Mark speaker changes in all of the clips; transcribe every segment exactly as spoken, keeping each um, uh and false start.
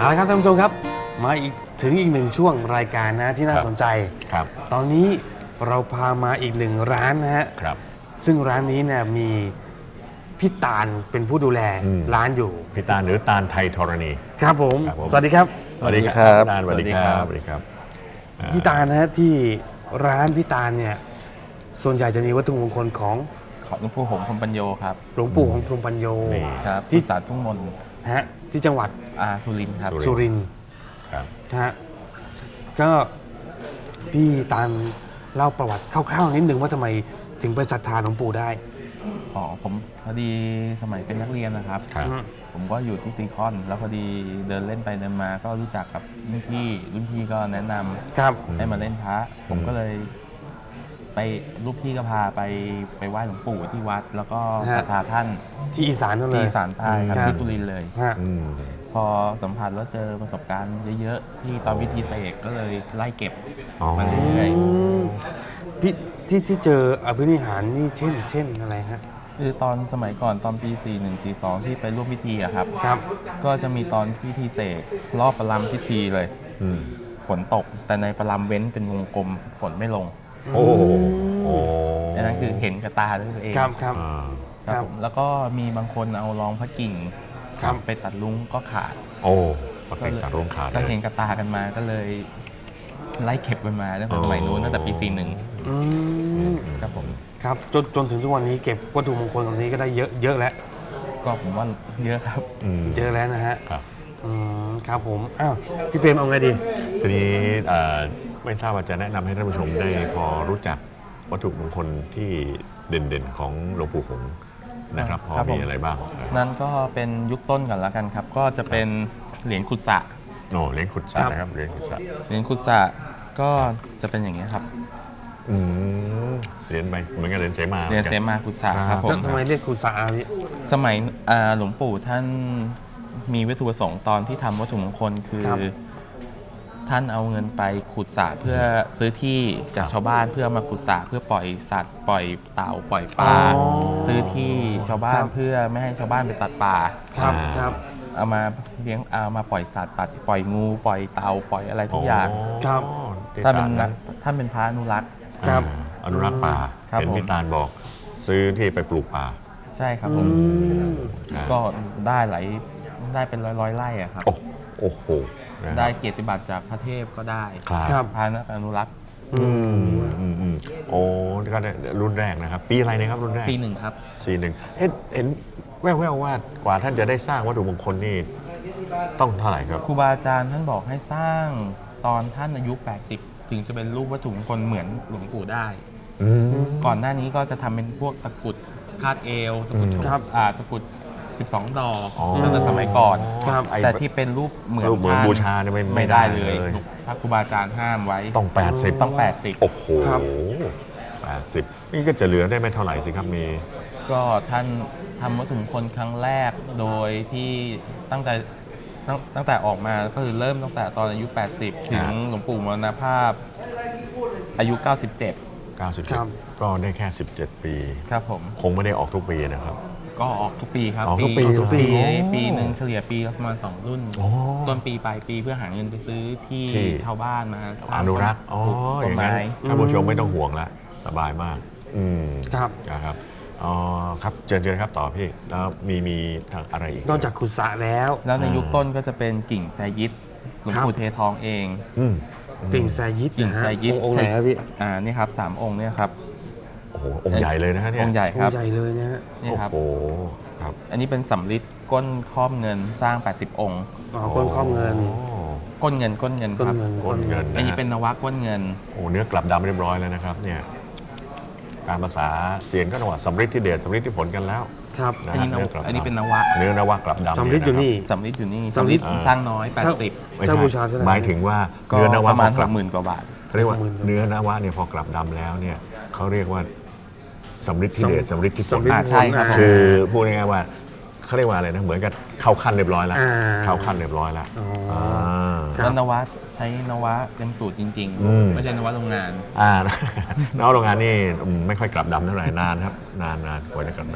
Speaker 1: เอาละครับท่านผู้ชมครับมาอีกถึงอีกหนึ่งช่วงรายการนะที่น่าสนใจ
Speaker 2: ครับ
Speaker 1: ตอนนี้เราพามาอีกหนึ่งร้านนะฮะ
Speaker 2: ครับ
Speaker 1: ซึ่งร้านนี้เนี่ยมีพี่ตาลเป็นผู้ดูแลร้านอยู่
Speaker 2: พี่ตาลหรือตาลไทยธรณี
Speaker 1: ครับผมสวัสดีครับ
Speaker 2: สวัสดีครับตาลสวัสดีครับสวัสดีครับ
Speaker 1: พี่ตาลนะฮะที่ร้านพี่ตาลเนี่ยส่วนใหญ่จะมีวัตถุมงคลของ
Speaker 3: ของหลวงปู่หงส์พรหมปัญโยครับ
Speaker 1: หลวงปู่ของพรหมปัญโย
Speaker 3: ครับที่ศาลทุ่งมน
Speaker 1: ฮะที่จังหวัด
Speaker 3: อาสุรินทร์ครับ
Speaker 1: สุรินทร์
Speaker 2: ครับ
Speaker 1: ฮะก็พี่ตาลเล่าประวัติคร่าวๆนิดนึงว่าทำไมถึงไปศรัทธาหลวงปู่ได้
Speaker 3: อ๋อผมพอดีสมัยเป็นนักเรียนนะครับผมก็อยู่ที่ซีคอนแล้วพอดีเดินเล่นไปเดินมาก็รู้จักกับรุ่นพี่รุ่นพี่ก็แนะนำ
Speaker 1: ครับ
Speaker 3: ให้มาเล่นพระผมก็เลยไปลูกพี่ก็พาไปไปไหว้หลวงปู่ที่วัด แล้วก็ศรัทธาท่าน
Speaker 1: ที่อีสานนั่นเลย
Speaker 3: ที่อีสานใต้ครับที่สุรินทร์เลยพอสัมผัสแล้วเจอประสบการณ์เยอะๆที่ตอนพิธีเสกก็เลยไล่เก็บมาเรื่อย
Speaker 1: ๆพี่ที่ที่เจออภินิหารนี่เช่นเช่นอะไรฮะ
Speaker 3: คือตอนสมัยก่อนตอนปีสี่หนึ่ง สี่สองที่ไปร่วมพิธีอะครับ
Speaker 1: ครับ
Speaker 3: ก็จะมีตอนพิธีเสกรอบประลัมพิธีเลยฝนตกแต่ในประลัมเว้นเป็นวงกลมฝนไม่ลง
Speaker 2: โอ้โห
Speaker 3: อันนั้นคือเห็นกับตาด้วยตัวเอง
Speaker 1: ครับครับ
Speaker 3: ครับแล้วก็มีบางคนเอารองพระกิ่งไปตัดลุงก็ขาด
Speaker 2: โอ้ไปตัดลุงขาด
Speaker 3: ก็เห็นกับตากันมาก็เลยไล่เก็บกันมาตั้งแต่สมัยนู้นตั้งแต่ปีสี่หนึ่งครับผม
Speaker 1: ครับจนจนถึงทุกวันนี้เก็บวัตถุมงคลตรงนี้ก็ได้เยอะเยอะแล้ว
Speaker 3: ก็ผมว่าเยอะครับ
Speaker 1: เยอะแล้วนะฮะครับผมอ้าวพี่เปรมเอาไงดี
Speaker 2: ทีนี้ไม่ทราบว่าจะแนะนำให้ท่านผู้ชมได้พอรู้จักวัตถุมงคลที่เด่นๆของหลวงปู่หงส์นะครับพอมีอะไรบ้าง
Speaker 3: นั่นก็เป็นยุคต้นก่อนแล้วกันครับก็จะเป็นเหรียญขุดสะ
Speaker 2: โอ้เหรียญขุดสะนะครับเหรียญขุดสะ
Speaker 3: เหรียญขุดสะก็จะเป็นอย่างนี้ครับ
Speaker 2: อืมเหรียญใบเหมือนกับเหรียญเสมา
Speaker 3: เหรียญเสมาขุดสะครับผม
Speaker 1: ทำไมเรียกขุดสะพี่
Speaker 3: สมัยหลวงปู่ท่านมีวัตถุประสงค์ตอนที่ทำวัตถุมงคลคือท่านเอาเงินไปขุดสระเพื่อซื้อที่จากชาวบ้านเพื่อมาขุดสระเพื่อปล่อยสัตว์ปล่อยเต่าปล่อยปลาซื้อที่ชาวบ้านเพื่อไม่ให้ชาวบ้านไปตัดป่า
Speaker 1: ครับครับ
Speaker 3: เอามาเลี้ยงเอามาปล่อยสัตว์ตัดปล่อยงูปล่อยเต่าปล่อยอะไรทุกอย่าง
Speaker 1: ครับ
Speaker 3: ท่านเป็นท่านเป็นพระอนุรักษ์
Speaker 1: ครับ
Speaker 2: อนุรักษ์ป่าเป็นพิธานบอกซื้อที่ไปปลูกป่า
Speaker 3: ใช่ครับผมก็ได้หลายได้เป็นร้อยร้อยไร่อะครับ
Speaker 2: โอ้โห
Speaker 3: ได้เกียรติบัตรจากพระเทพก็ได้
Speaker 1: ครับ
Speaker 3: พานักอนุรักษ์
Speaker 2: อืมอืมอืมโอ้ก็รุ่นแรกนะครับปีอะไรนะครับรุ่นแรก
Speaker 3: สี่หนึ่งครับ
Speaker 2: สี่หนึ่งเห็นเห็นแว่วๆว่ากว่าท่านจะได้สร้างวัตถุมงคลนี่ต้องเท่าไหร่ครับ
Speaker 3: ครูบาอาจารย์ท่านบอกให้สร้างตอนท่านอายุแปดสิบถึงจะเป็นรูปวัตถุมงคลเหมือนหลวงปู่ได้ก่อนหน้านี้ก็จะทำเป็นพวกตะกุดคาดเอวตะกุด
Speaker 1: ครับ
Speaker 3: อ่าตะกุดสิบสองดอกตั้งแต่สมัยก่อนแต่ที่เป็นรูปเหมือน
Speaker 2: ท่านบูชาเนี่ย
Speaker 3: ไม่ได้เลยพระครูบาอาจารย์ห้ามไว้
Speaker 2: ต้องแปดสิบ
Speaker 3: ต้องแปดสิบ
Speaker 2: โอ้โหแปดสิบนี่ก็จะเหลือได้ไม่เท่าไหร่สิครับมี
Speaker 3: ก็ท่านทำวัตถุมงคลครั้งแรกโดยที่ตั้งใจตั้งแต่ออกมาก็คือเริ่มตั้งแต่ตอนอายุแปดสิบถึงหลวงปู่มรณภาพอายุเก้าสิบเจ็ด
Speaker 2: เก้าสิบเจ็ดก็ได้แค่สิบเจ็ดปี
Speaker 3: ครับผม
Speaker 2: คงไม่ได้ออกทุกปีนะครับ
Speaker 3: ก็ออกทุกปีครับ
Speaker 2: ออกทุกปี
Speaker 3: ทุกปีปีหนึ่งเฉลี่ยปีประมาณสองรุ่นต้นปีปลายปีเพื่อหาเงินไปซื้อที่ชาวบ้านมา
Speaker 2: อนุรักษ์อ๋ออย่างนั้นท่านผู้ชมไม่ต้องห่วงละสบายมากอืม
Speaker 1: ครับ
Speaker 2: ครับอ๋อครับเจริญครับต่อพี่แล้วมีมีทางอะไรอีก
Speaker 1: นอกจากขุดสระแล้ว
Speaker 3: แล้วในยุคต้นก็จะเป็นกิ่งแซยิดหลวงปู่เททองเอง
Speaker 1: กิ่งแซยิด
Speaker 3: กิ่งแซยิด
Speaker 1: องค์ไหนครับพี่
Speaker 3: อ่านี่ครับสามองค์เนี่ยครับ
Speaker 2: โอ้โหองค์ใหญ่เลยนะฮะเนี่ย
Speaker 3: องค์ใหญ่ครับ
Speaker 1: องค์ใหญ่เลยนะ
Speaker 3: นี่ครับ
Speaker 2: โอ้ครับ
Speaker 3: อันนี้เป็นสำริดก้นครอบเงินสร้างแปดสิบองค์
Speaker 1: อ๋อก้นครอบเงิน
Speaker 3: ก้นเงินก้นเงินครับ
Speaker 2: ก้นเงิน
Speaker 3: อันนี้เป็นนวะก้นเงิน
Speaker 2: โอ้เนื้อกลับดำเรียบร้อยแล้วนะครับเนี่ยการภาษาเสียนก็ต้องว่าสำริดที่เดชสำริดที่ผลกันแล้ว
Speaker 1: ครับ
Speaker 3: อันนี้อันนี้เป็นนวะ
Speaker 2: เนื้อนวะกลับดำ
Speaker 1: สำริดอยู่นี่
Speaker 3: สำริดอยู่นี่สำริดสร้างน้อยแปดสิบ
Speaker 2: ไม่ใช่หมายถึงว่าเนื้อนวะ
Speaker 3: ประมาณหกหมื่นกว่าบาท
Speaker 2: เขาเรียกว่าเนื้อนวะเนี่ยพอกลับดำแล้วเนี่ยเขาเรียกว่าสำริดที่เดชสำริดที่ผล
Speaker 3: ใช่ครับ
Speaker 2: คือพูดง่ายๆว่าเขาเรียกว่าอะไรนะเหมือนกับเข้าขั้นเรียบร้อยแล้วเข้าขั้นเรียบร้อยแล้ว
Speaker 3: แล้วนวะใช้นวะเต็มสูตรจริงๆไม่ใช่นวะโรงงาน
Speaker 2: อ่านวะโรงงานนี่ไม่ค่อยกลับดำเท่าไหร่นานครับนานนานกว่าจะกลับด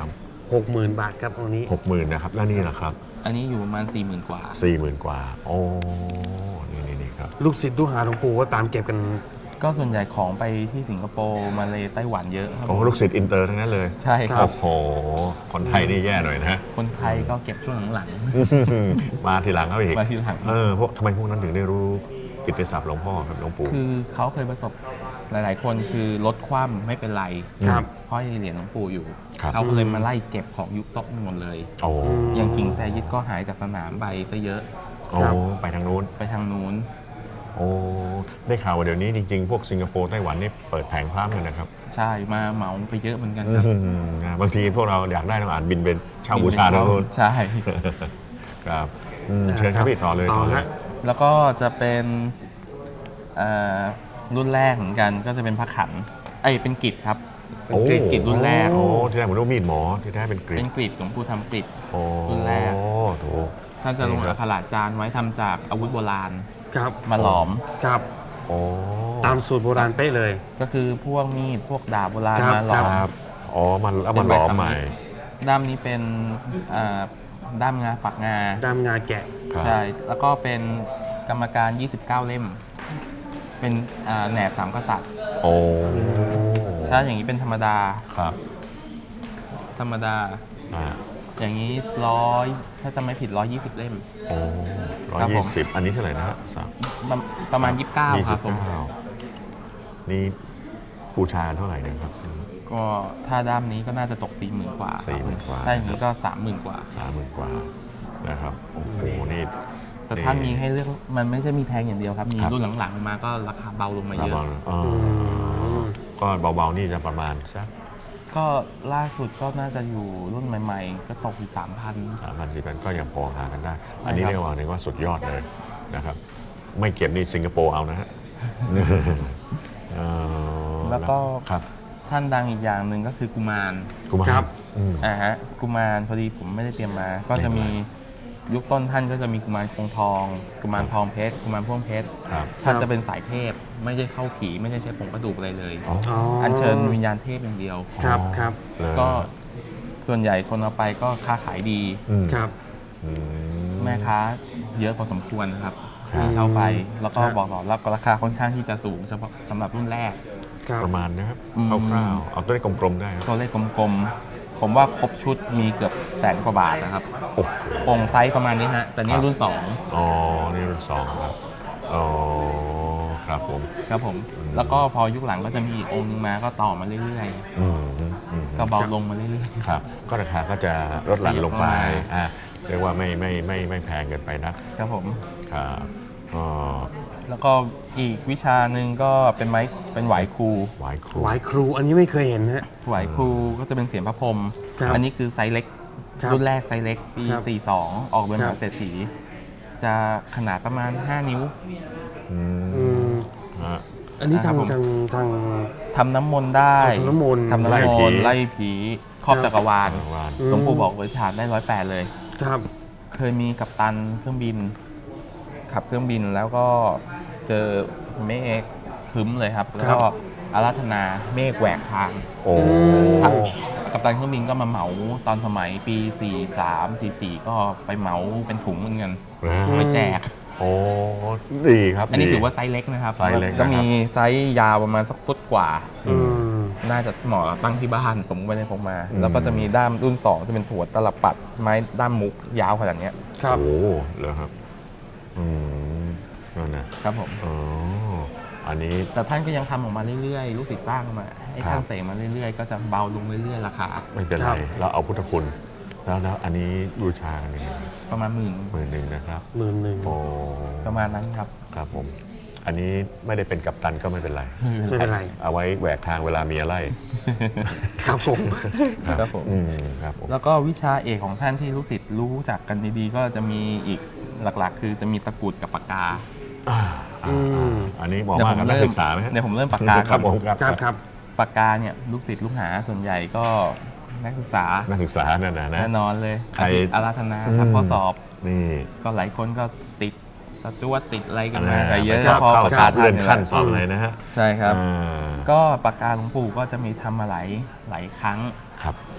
Speaker 1: หกหมื่นบาทครับองค์นี้
Speaker 2: หกหมื่นนะครับแล้วนี่ล่ะครับ
Speaker 3: อันนี้อยู่ประมาณสี่หมื่นกว่า
Speaker 2: สี่หมื่นกว่าโอ้นี่นี่นี่ครับ
Speaker 1: ลูกศิษย์ลูกหาหลวงปู่ก็ตามเก็บกัน
Speaker 3: ก็ส่วนใหญ่ของไปที่สิงคโปร์มาเลไต้หวันเยอะครับ
Speaker 2: โอ้ลูกศิษย์อินเตอร์ทั้งนั้นเลย
Speaker 3: ใช่ครั
Speaker 2: โอ้
Speaker 3: บ
Speaker 2: โหคนไทยนี่แย่หน่อยนะฮะ
Speaker 3: คนไทยก็เก็บช่วงหลัง
Speaker 2: มาทีหลังเขาอีก
Speaker 3: มาทีหลัง
Speaker 2: เออพวกทำไมพวกนั้นถึงได้รู้กิตติศัพท์หลวงพ่อครับหลวงปู่
Speaker 3: ๆคือเขาเคยประสบหลาย ๆ คนคือลดความไม่เป็นไร
Speaker 1: ครับ
Speaker 3: เพราะยังเหรียญหลวงปู่อยู่
Speaker 2: ครับ
Speaker 3: เขาก็เลยมาไล่เก็บของยุคต้นหมดเลย
Speaker 2: โอ้
Speaker 3: อย่างกิ่งแซยิดก็หายจากสนามไปซะเยอะ
Speaker 2: โอ้ไปทางนู้น
Speaker 3: ไปทางนู้น
Speaker 2: โอ้ได้ข่าวว่าเดี๋ยวนี้จริงๆ พวกสิงคโปร์ไต้หวันนี่เปิดแผงพร้ำเลยนะครับ
Speaker 3: ใช่มาเหมาไปเยอะเหมือนกันครับ
Speaker 2: อืมนะบางทีพวกเราอยากได้ต้องอ่านบินเป็นเช่าบูชาทางนู้น
Speaker 3: ใช่
Speaker 2: ครับอืมเชิญครับพี่ต่อเลย
Speaker 1: ต่
Speaker 2: ต่
Speaker 1: อ
Speaker 2: อเล
Speaker 1: ฮะ
Speaker 2: ย
Speaker 3: แล้วก็จะเป็นเอ่อรุ่นแรกเหมือนกันก็จะเป็นพระขันเอ้ยเป็นกริดครับ
Speaker 2: โอ้
Speaker 3: เป็นกริดรุ่นแรก
Speaker 2: โอ้ที่แรกผมนึกว่ามีดหมอที่แท้เป็นกรี
Speaker 3: เป็
Speaker 2: ก
Speaker 3: นกริดหลวงปู่ทำกริด
Speaker 2: โอ้
Speaker 3: รุ่นแรก
Speaker 2: ถูก
Speaker 3: ท่านจะลง
Speaker 2: นี่ครั
Speaker 3: อั
Speaker 2: บ
Speaker 3: คระจานไว้ทำจากอาวุธโบราณ
Speaker 1: ครับ
Speaker 3: มาหลอม
Speaker 1: ครับ
Speaker 2: โอ้
Speaker 1: ตามสูตรโบราณเป๊ะเลย
Speaker 3: ก็คือพวกมีดพวกดาบโบราณ
Speaker 1: ครับ
Speaker 3: มาหลอ
Speaker 1: ค
Speaker 3: ม
Speaker 2: ครับอ๋อมันแล้วมันหลอมใหม่
Speaker 3: ด้ามนี้เป็นอ่าด้ามงาฝักงา
Speaker 1: ดามงาแกะ
Speaker 2: ครับ
Speaker 3: ใช่ แล้วก็เป็นกรรมการ ยี่สิบเก้า เล่ม เป็นอ่าแหนบสามกษัตริย์
Speaker 2: โอ้
Speaker 3: ถ้าอย่างนี้เป็นธรรมดา
Speaker 2: ครับ
Speaker 3: ธรรมดา
Speaker 2: อ่า
Speaker 3: อย่างนี้ร้อยถ้าจะไม่ผิดร้อยยี่สิบเล่ม
Speaker 2: โอ้ร้อย
Speaker 3: ครับผ
Speaker 2: ยี่
Speaker 3: ม
Speaker 2: สิบอันนี้เท่าไหร่นะฮะสาม
Speaker 3: ประประมาณ ยี่สิบเก้า ครับผม
Speaker 2: ยี่สิบเก้านี่บูชาเท่าไหร่เนะครับ
Speaker 3: ก็ถ้าด้ามนี้ก็น่าจะตกสี่หมื่นกว่า
Speaker 2: สี่หมื่นกว่า
Speaker 3: ถ้าอย่างนี้ก็สามหมื่นกว่า
Speaker 2: สามหมื่นกว่านะครับโอ้โหนี่
Speaker 3: แต่ท่านมีให้เลือกมันไม่ใช่มีแพงอย่างเดียวครับ มี
Speaker 2: ครับ
Speaker 3: รุ่นหลังๆมาก็ราคาเบาลงมาเยอะ
Speaker 2: เบาๆอ๋อก็เบาๆนี่จะประมาณสัก
Speaker 3: ก็ล่าสุดก็น่าจะอยู่รุ่นใหม่ๆ ก็ตกอยู่สามพัน
Speaker 2: สามพันสี่พันก็ยังพอหากันได้
Speaker 3: ใช่
Speaker 2: อันนี้
Speaker 3: ครับ
Speaker 2: เรียกว่าเรียกว่าสุดยอดเลยนะครับ ไม่เก็บนี่สิงคโปร์เอานะฮะเออ
Speaker 3: แล้วก็
Speaker 2: ครับ
Speaker 3: ท่านดังอีกอย่างหนึ่งก็คือกุมาร
Speaker 2: กุมาร
Speaker 1: ครับ
Speaker 2: อืม
Speaker 3: อ่าฮะกุมารพอดีผมไม่ได้เตรียมมา ก็จะมียุคต้นท่านก็จะมีกุมารคงทอง กุมารทองเพชรกุมารพ่วงเพชร
Speaker 2: ครับ
Speaker 3: ท่านจะเป็นสายเทพ ไม่ได้เข้าผีไม่ได้ใช้ผงกระดูกอะไรเลย
Speaker 2: อ๋อ
Speaker 1: อ๋อ
Speaker 3: อัญเชิญวิญญาณเทพอย่างเดียว
Speaker 1: ครับครับ
Speaker 2: เลย
Speaker 3: ก็ส่วนใหญ่คนเอาไปก็ค้าขายดี
Speaker 2: อืม
Speaker 1: ครับ
Speaker 2: อืม
Speaker 3: แม่ค้าเยอะพอสมควรนะครับ
Speaker 2: ครับ
Speaker 3: ที่เช่าไป แล้วก็
Speaker 1: ครับ
Speaker 3: บอกต่อแล้วก็ราคาค่อนข้างที่จะสูงเฉพาะสำหรับรุ่นแรก
Speaker 1: ครับ
Speaker 2: ประมาณนะครับ
Speaker 3: อืม
Speaker 2: คร่าวๆเอาตัวเลขกลมๆได้ครับ
Speaker 3: ตัวเลขกลมๆ ผมว่าครบชุดมีเกือบแสนกว่าบาทนะครับ
Speaker 2: โอ้โห
Speaker 3: องค์ไซส์ประมาณนี้ฮะ แต่นี่รุ่น
Speaker 2: อ๋อ นี่รุ่นสองครับ อ๋อ ครับผม
Speaker 3: สองครับผม แล้วก็พอยุคหลังก็จะมีอีกองค์นึงมาก็ต่อมาเรื่อย
Speaker 2: อืมอืม
Speaker 3: ๆ ก็เบาลงมาเรื่อย
Speaker 2: ครับ ก็ราคาก็จะลดหลั่นลงไป
Speaker 3: ประมาณ
Speaker 2: อ่าเรียกว่าไม่ไม่ไม่ไม่แพงเกินไปนัก
Speaker 3: ๆ ครับผม
Speaker 2: ครับอ๋อ
Speaker 3: แล้วก็อีกวิชาหนึ่งก็เป็นไม้เป็นไหวครู
Speaker 2: หวายครู
Speaker 1: หวายครูอันนี้ไม่เคยเห็นฮะ
Speaker 3: ไหวครูก็จะเป็นเสียงพระพรหม
Speaker 1: ครับ
Speaker 3: อันนี้คือไซส์เล็ก
Speaker 1: ครับ
Speaker 3: รุ่นแรกไซส์เล็กปี
Speaker 1: ครับ
Speaker 3: สี่สิบสอง ออกเป็นม
Speaker 1: ครั
Speaker 3: หา
Speaker 1: บ
Speaker 3: เศรษฐี จะขนาดประมาณ ห้า นิ้ว
Speaker 2: อื
Speaker 1: อื
Speaker 2: ม
Speaker 1: ม
Speaker 2: ฮะ
Speaker 1: อันนี้
Speaker 3: ครับผม
Speaker 1: ทางทางทาง
Speaker 3: ทำน้ำมนต์ได้
Speaker 1: ทำน้ำมนต์
Speaker 3: ทำน้ำ
Speaker 2: ไล่
Speaker 3: ม
Speaker 2: ผี
Speaker 3: นต์ไล่ผีครอบจักรวาล
Speaker 2: วาน
Speaker 1: อืม
Speaker 3: หลวงปู่บอกเลยฐานได้ร้อยแปดเลย
Speaker 1: ครับ
Speaker 3: เคยมีกัปตันเครื่องบิน ขับเครื่องบินแล้วก็เจอเมฆครึ้มเลยครับ แล้วก็อาราธนาเมฆแหวกทาง
Speaker 2: โอ้
Speaker 3: ครับกัปตันเครื่องบินก็มาเหมาตอนสมัยปี สี่สาม สี่สี่ ก็ไปเหมาเป็นถุงเหมือนกัน
Speaker 2: นะ
Speaker 3: ไปแจก
Speaker 2: โอ้ดีครับ
Speaker 3: อันนี้
Speaker 2: ดี
Speaker 3: ถือว่าไซส์เล็กนะครับ
Speaker 2: ไซส์เล็กนะครับ
Speaker 3: ก็มีไซส์ยาวประมาณสักฟุตกว่า
Speaker 1: อืม
Speaker 3: น่าจะเหมาะตั้งที่บ้านผมไม่ได้พกมา
Speaker 2: อืม
Speaker 3: แล้วก็จะมีด้ามรุ่น สอง จะเป็นถั่วตลับปัดไม้ด้ามมุกยาวขนาดเนี้ย
Speaker 1: ครับ
Speaker 2: โอ้เหรอครับ อืมนั่นนะครับ
Speaker 3: ผม
Speaker 2: อ๋ออันนี้
Speaker 3: แต่ท่านก็ยังทำออกมาเรื่อยๆ ลูกศิษย์สร้างมาให้
Speaker 2: ครับ
Speaker 3: ท่านเสกมาเรื่อยๆ ก็จะเบาลงเรื่อยๆ ราคา
Speaker 2: ไม่เป็น
Speaker 1: ค
Speaker 2: ไร
Speaker 1: รับ
Speaker 2: เราเอาพุทธคุณ แล้วแล้วอันนี้บูชากันยังไง
Speaker 3: ประมาณหมื่น
Speaker 2: หมื่นหนึ่งนะครับ
Speaker 1: หมื่นหนึ่ง
Speaker 2: โอ้
Speaker 3: ประมาณนั้นครับ
Speaker 2: ครับผม อันนี้ไม่ได้เป็นกัปตันก็ไม่เป็นไร
Speaker 1: ไม่เป็นไร
Speaker 2: เอาไว้แหวกทางเวลามีอะไร
Speaker 1: ครับผม
Speaker 3: ครับผม
Speaker 2: อืมครับผม
Speaker 3: แล้วก็วิชาเอกของท่านที่ลูกศิษย์รู้จักกันดีๆ ก็จะมีอีกหลักๆ คือจะมีตะกรุดกับปากกา
Speaker 2: อ่า
Speaker 1: อืม
Speaker 2: อันนี้เหมาะมากกับนักศึกษาไหมฮะ
Speaker 3: เดี๋ยวผมเริ่มปากกา
Speaker 2: ครับผมครับ
Speaker 1: ครับครับ
Speaker 3: ปากกาเนี่ยลูกศิษย์ลูกหาส่วนใหญ่ก็นักศึกษา
Speaker 2: นักศึกษานั่นนะนะ
Speaker 3: แน่นอนเลย
Speaker 2: ใคร
Speaker 3: อาราธนาทำข้อสอบ
Speaker 2: นี่
Speaker 3: ก็หลายคนก็ติดสจวตติดอะไรกัน
Speaker 2: อ่า
Speaker 3: มากันเยอะ
Speaker 2: สอบ
Speaker 3: พอ
Speaker 2: เข้า
Speaker 3: ประ
Speaker 2: ส
Speaker 3: กา
Speaker 2: อ
Speaker 3: ศ
Speaker 2: บเลื่อนขั้นส
Speaker 3: ท่า
Speaker 2: อบ
Speaker 3: น
Speaker 2: อะไรนะฮะ
Speaker 3: ใช่ครับ
Speaker 2: อ่า
Speaker 3: ก็ปากกาหลวงปู่ก็จะมีทำมาหลายหลายครั้ง
Speaker 2: ครับ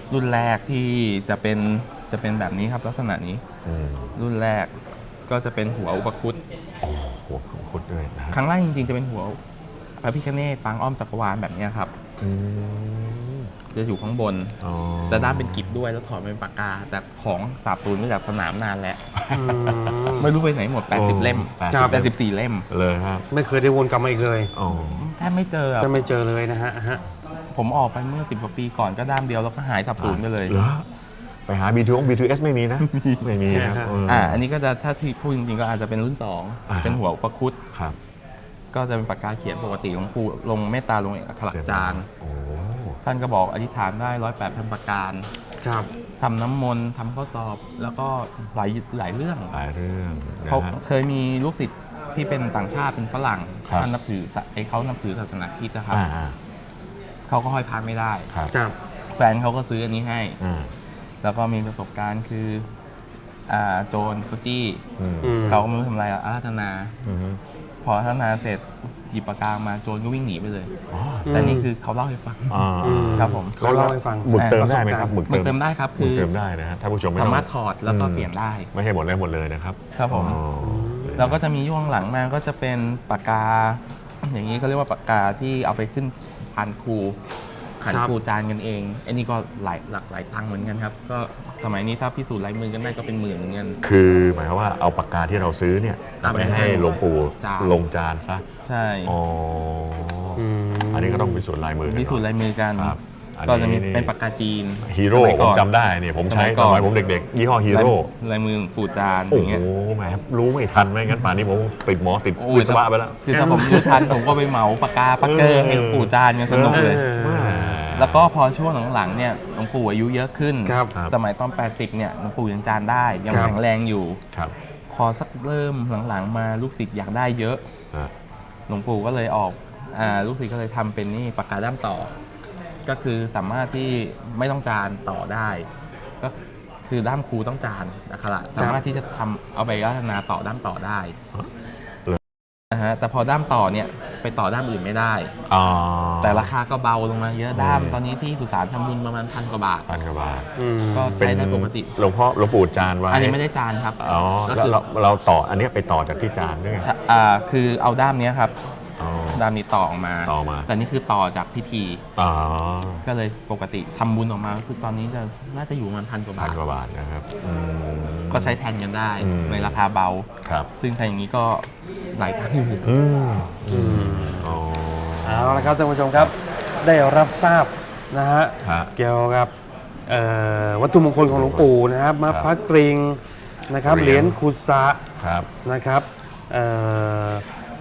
Speaker 3: รุ่นแรกที่จะเป็นจะเป็นแบบนี้ครับลักษณะนี้
Speaker 2: อืม
Speaker 3: รุ่นแรกก็จะเป็นหัวอุปคุต
Speaker 2: โอ้หัวของคุดด้วยนะฮะ
Speaker 3: ครั้งแรกจริงๆจะเป็นหัวพระพิฆเนศปางอ้อมจักรวาลแบบนี้ครับ
Speaker 2: อืม
Speaker 3: จะอยู่ข้างบน
Speaker 2: อ๋อ
Speaker 3: แต่ด้านเป็นกิบด้วยแล้วถอดเป็นปากกา แต่ของสาบสูญมาจากสนามนานแล้ว
Speaker 1: อืม
Speaker 3: ไม่รู้ไปไหนหมด แปดสิบ เล่ม
Speaker 2: แปด
Speaker 1: ครับ
Speaker 3: แปดสิบสี่เล่ม
Speaker 2: เลยครับ
Speaker 1: ไม่เคยได้วนกลับมาอีกเลย
Speaker 2: อ๋อ
Speaker 3: แทบไม่เจออะ
Speaker 1: จะไม่เจอเลยนะฮะฮะ
Speaker 3: ผมออกไปเมื่อสิบกว่าปีก่อนก็ด้ามเดียวแล้วก็หายสับสูญไปเลย
Speaker 2: หรอไปหา บี ทู บี ทู เอส ไม่มีนะ ไม่มีครับเ
Speaker 3: อ่า อันนี้ก็จะถ้าที่พูดจริงๆก็อาจจะเป็นรุ่นสอง
Speaker 2: อ่า
Speaker 3: เป็นหัวอุปคุต
Speaker 2: ครับ
Speaker 3: ก็จะเป็นปากกาเขียนปกติของปู่ลงเมตตาลงอักขระจารย์
Speaker 2: โอ้
Speaker 3: ท่านก็บอกอธิษฐานได้ร้อยแปดพันประการ
Speaker 1: ครับ
Speaker 3: ทำน้ำมนต์ทำข้อสอบ แล้วก็หลายหลายเรื่อง
Speaker 2: หลายเรื่องนะ
Speaker 3: เขา
Speaker 2: ฮะ
Speaker 3: เคยมีลูกศิษย์ที่เป็นต่างชาติเป็นฝรั่ง
Speaker 2: ครับ
Speaker 3: ท่านนับถือศาไอ้เขานับถือศาสนาคริสต์นะครับ
Speaker 2: อ่าอ่า
Speaker 3: เขาก็ห้อยพระไม่ได้
Speaker 2: ครับ
Speaker 1: ครับ
Speaker 3: แฟนเขาก็ซื้ออันนี้ให้
Speaker 2: อ่า
Speaker 3: แล้วก็มีประสบการณ์คืออ่าโจรเขาจี้
Speaker 2: อืม
Speaker 1: อืม
Speaker 3: เขาก็ไม่รู้ทำอะไรอ่ะอาราธนา
Speaker 2: อืม
Speaker 3: พออาราธนาเสร็จหยิบปากกามาโจรก็วิ่งหนีไปเลย
Speaker 2: อ๋อ
Speaker 3: แต่นี่คือเขาเล่าให้ฟัง
Speaker 2: อ่า
Speaker 1: อืม
Speaker 3: ครับผม
Speaker 1: เขาเล่าให้ฟัง
Speaker 2: หมึกเติมได้ไหมครับ
Speaker 3: หมึกเติมได้ครับ
Speaker 2: หมึ
Speaker 3: คื
Speaker 2: ก
Speaker 3: อ
Speaker 2: เติมได้นะฮะท่านผู้ชมไม่
Speaker 3: สา
Speaker 2: ต้อง
Speaker 3: มารถถอดแล้วก็เปลี่ยนได้
Speaker 2: ไม่ให้หมดเลยหมดเลยนะครับ
Speaker 3: ครับผม
Speaker 2: อ๋อ
Speaker 3: แล้วก็จะมีย่วงหลังมาก็จะเป็นปากกา อย่างนี้เขาเรียกว่าปากกาที่เอาไปขึ้นพานครูขัน
Speaker 1: ครับ
Speaker 3: ครูจานกันเองอันนี้ก็หลายหลักหลายตังค์เหมือนกันครับ ก็สมัยนี้ถ้าพิสูจน์ลายมือกันได้ก็เป็นหมื่นเหมือนกัน
Speaker 2: คือหมายความว่าเอาปากกาที่เราซื้อเนี่ย
Speaker 3: เอาไป
Speaker 2: ไปให้หลวงปู่
Speaker 3: จาน
Speaker 2: ลงจานซะ
Speaker 3: ใช่
Speaker 2: อ๋อ
Speaker 1: อืม
Speaker 2: อันนี้ก็ต้องพิสูจน์ลายมือกัน
Speaker 3: พิสูจน์
Speaker 2: หน่อ
Speaker 3: ลายมือกัน
Speaker 2: ครับอันนี้
Speaker 3: ก็จะมี
Speaker 2: นี่
Speaker 3: เป็นปากกาจีน
Speaker 2: ฮีโร่
Speaker 3: สย
Speaker 2: ผ
Speaker 3: ก่
Speaker 2: ม
Speaker 3: อน
Speaker 2: จำได้เนี่ยผมใช้
Speaker 3: สมัย
Speaker 2: ต
Speaker 3: ก่
Speaker 2: อ
Speaker 3: อน น
Speaker 2: สมัยผมเด็กๆ ยี่ห้อฮีโร่
Speaker 3: ลายมือหลวงปู่จานอ
Speaker 2: โอ้
Speaker 3: ย่าง
Speaker 2: โห
Speaker 3: เงี้ย
Speaker 2: แหมรู้ไม่ทันไม่งั้นป่านนี้ผมติดหมอติด
Speaker 3: โอ้ย
Speaker 2: วิศวะไปแล้ว
Speaker 3: คือถ้าผมรู้ทันผมก็ไปเหมาปากกาปักเกอร์ให้หลวงปู่จานกันสนุกเลย
Speaker 1: เออ
Speaker 2: แหม
Speaker 3: แล้วก็พอช่วงหลังๆเนี่ยหลวงปู่อายุเยอะขึ้น
Speaker 1: ครับ
Speaker 3: สมัยตอน แปดสิบ เนี่ยหลวงปู่ยังจานได้ ยัง
Speaker 1: ครับ
Speaker 3: แข็งแรงอยู่
Speaker 2: ครับ
Speaker 3: พอสักเริ่มหลังๆมาลูกศิษย์อยากได้เยอะ
Speaker 2: อ่ะ
Speaker 3: หลวงปู่ก็เลยออกอ่าลูกศิษย์ก็เลยทำเป็นนี่ปากกาด้ามต่อ ก็คือสามารถที่ไม่ต้องจานต่อได้ ก็คือด้ามครูต้องจานนะครับสามารถที่จะทำเอาไปพัฒนาต่อด้ามต่อได้นะฮะแต่พอด้ามต่อเนี่ยไปต่อด้ามอื่นไม่ได้
Speaker 2: อ๋อ
Speaker 3: แต่ราคาก็เบาลงมาเยอะด้ามตอนนี้ที่สุสานทำบุญประมาณพันกว่าบาท
Speaker 2: พันกว่าบาท
Speaker 1: อืม
Speaker 3: ก็
Speaker 2: เป็น
Speaker 3: ใช้ได้ปกติ
Speaker 2: หลวงพ่อหลวงปู่จานไว้
Speaker 3: อันนี้ไม่ได้จานครับ
Speaker 2: อ๋อ
Speaker 3: ก็
Speaker 2: แล้ว
Speaker 3: คือ
Speaker 2: เราเราต่ออันเนี้ยไปต่อจากที่จานด้วยไง
Speaker 3: ใช่อ่าคือเอาด้ามเนี้ยครับ
Speaker 2: อ๋อ
Speaker 3: ด้ามนี้ต่อออกมา
Speaker 2: ต่อมา
Speaker 3: แต่นี่คือต่อจากพิธี
Speaker 2: อ๋อ
Speaker 3: ก็เลยปกติทำบุญออกมารู้สึกตอนนี้จะน่าจะอยู่ประมาณพันกว่า
Speaker 2: พั
Speaker 3: บาน ท
Speaker 2: กว่าบาทนะครับอืม
Speaker 3: ก็ใช้แทนกันได้
Speaker 2: อืม
Speaker 3: ในราคาเบา
Speaker 2: ครับ
Speaker 3: ซึ่งถ้าอย่างนี้ก็หลายตังค์อยู่
Speaker 2: อืมอืมอ๋อ
Speaker 1: เอาละครับท่านผู้ชมครับ ได้รับทราบนะฮะ
Speaker 2: ฮะ
Speaker 1: เกี่ยวกับเอ่อวัตถุมงคลของหลวงปู่นะครับมา
Speaker 2: ครับ
Speaker 1: พระกริงนะครับ
Speaker 2: เห
Speaker 1: เห
Speaker 2: รี
Speaker 1: รี
Speaker 2: ย
Speaker 1: ย
Speaker 2: ญ
Speaker 1: ญขุสะ
Speaker 2: ครับ
Speaker 1: นะครับเอ่อก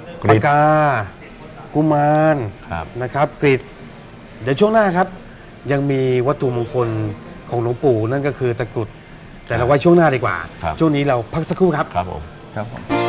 Speaker 2: ริ
Speaker 1: ปาก
Speaker 2: ด
Speaker 1: กา กุมาร
Speaker 2: ครับ
Speaker 1: นะครับกริดเดี๋ยวช่วงหน้าครับ ยังมีวัตถุมงคลของหลวงปู่นั่นก็คือตะกรุด แต่เราไว้ช่วงหน้าดีกว่า
Speaker 2: ครับ
Speaker 1: ช่วงนี้เราพักสักครู่ครับ
Speaker 2: ครับผม
Speaker 3: ครับผม